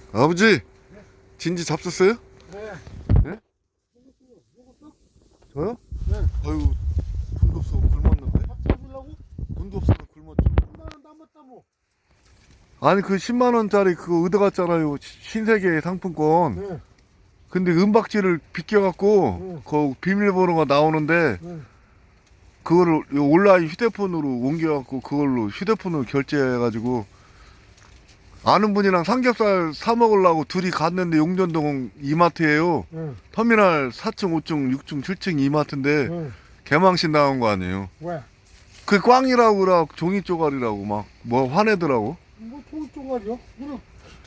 아버지, 진지 잡섰어요? 네. 네? 저요? 네. 아유, 돈도 없어 굶었는데. 밥 사주려고? 돈도 없어서 굶었죠. 10만원 남았다 뭐. 아니 그 10만 원짜리 그거 얻어갔잖아요. 신세계 상품권. 네. 근데 은박지를 비껴갖고 그 비밀번호가 나오는데 네. 그거를 온라인 휴대폰으로 옮겨갖고 그걸로 휴대폰으로 결제해가지고 아는 분이랑 삼겹살 사 먹으려고 둘이 갔는데 용전동 이마트예요. 네. 터미널 4층, 5층, 6층, 7층 이마트인데 네. 개망신 나온 거 아니에요. 왜? 그 꽝이라고 그래 종이 쪼가리라고 막 뭐 화내더라고. 뭐 종이종아리요? 그래.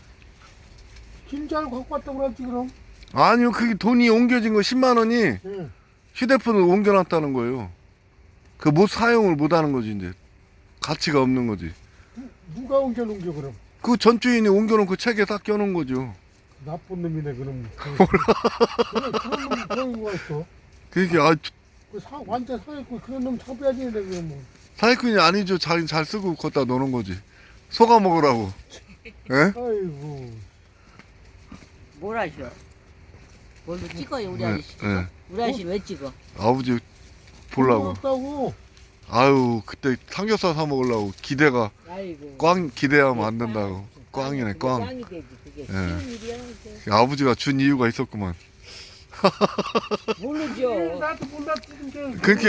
김잘 갖고 왔다고 그랬지 그럼. 아니요, 그게 돈이 옮겨진 거 10만 원이 네. 휴대폰을 옮겨놨다는 거예요. 그 못 사용을 못 하는 거지 이제 가치가 없는 거지. 누가 옮겨놓은겨 그럼? 그 전주인이 옮겨놓고 책에 딱 껴놓은 거죠. 나쁜 놈이네 그럼. 몰라. 그런 놈 그런 거가 있어. 그게 아 완전 사기꾼 그런 놈 잡아야지 내 그럼 뭐. 사기꾼이 아니죠. 자기 잘 쓰고 걷다 놓는 거지. 속아 먹으라고. 예? 아이고. 뭘 하셔? 뭘로 찍어요 우리 네, 아저씨 찍어? 네. 우리 아저씨 왜 찍어? 아버지 보려고. 없다고. 아유 그때 삼겹살 사 먹으려고 기대가 아이고 꽝 기대하면 안 된다고. 꽝이네 꽝. 꽝이 되지 그게 예. 쉬운 일이야 그게. 아버지가 준 이유가 있었구만. 모르죠. 나도 몰랐지 근데. 그렇게